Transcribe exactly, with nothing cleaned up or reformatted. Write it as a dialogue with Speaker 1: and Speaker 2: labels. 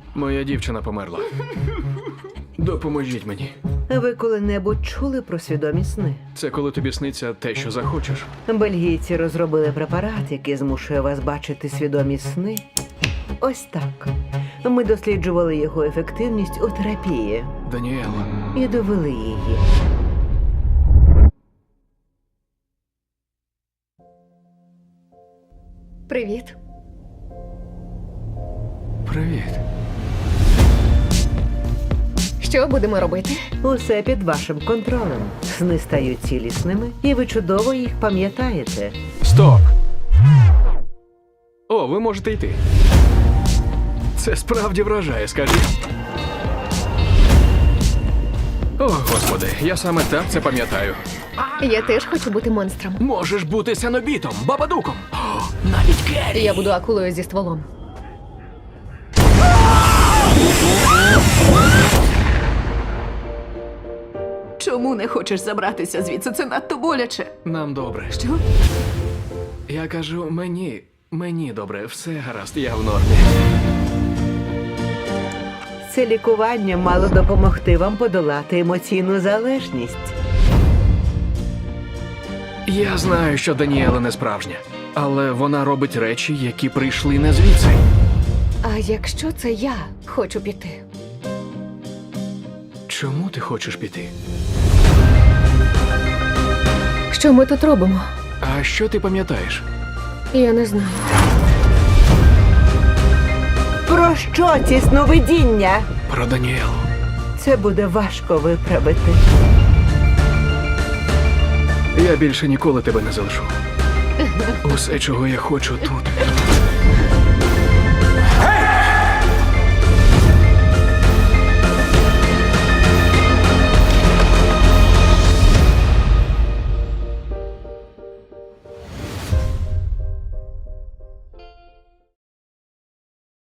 Speaker 1: Моя дівчина померла. Допоможіть мені.
Speaker 2: Ви коли-небудь чули про свідомі сни?
Speaker 1: Це коли тобі сниться те, що захочеш.
Speaker 2: Бельгійці розробили препарат, який змушує вас бачити свідомі сни. Ось так. Ми досліджували його ефективність у терапії
Speaker 1: Даніела,
Speaker 2: і довели її.
Speaker 3: Привіт.
Speaker 1: привіт.
Speaker 3: Що будемо робити?
Speaker 2: Усе під вашим контролем. Сни стають цілісними, і ви чудово їх пам'ятаєте.
Speaker 1: Стоп! О, ви можете йти. Це справді вражає, скажіть. О, господи, я саме так це пам'ятаю.
Speaker 3: Я теж хочу бути монстром.
Speaker 1: Можеш бути сенобітом, бабадуком. О, навіть Керрі.
Speaker 3: Я буду акулою зі стволом.
Speaker 4: Чому не хочеш забратися звідси? Це надто боляче.
Speaker 1: Нам добре.
Speaker 4: Що?
Speaker 1: Я кажу, мені, мені добре, все гаразд, я в нормі.
Speaker 2: Це лікування мало допомогти вам подолати емоційну залежність.
Speaker 1: Я знаю, що Даніела не справжня, але вона робить речі, які прийшли не звідси.
Speaker 3: А якщо це я хочу піти?
Speaker 1: Чому ти хочеш піти?
Speaker 3: Що ми тут робимо?
Speaker 1: А що ти пам'ятаєш?
Speaker 3: Я не знаю.
Speaker 2: Про що ці сновидіння?
Speaker 1: Про Даніелу.
Speaker 2: Це буде важко виправити.
Speaker 1: Я більше ніколи тебе не залишу. Усе, чого я хочу тут,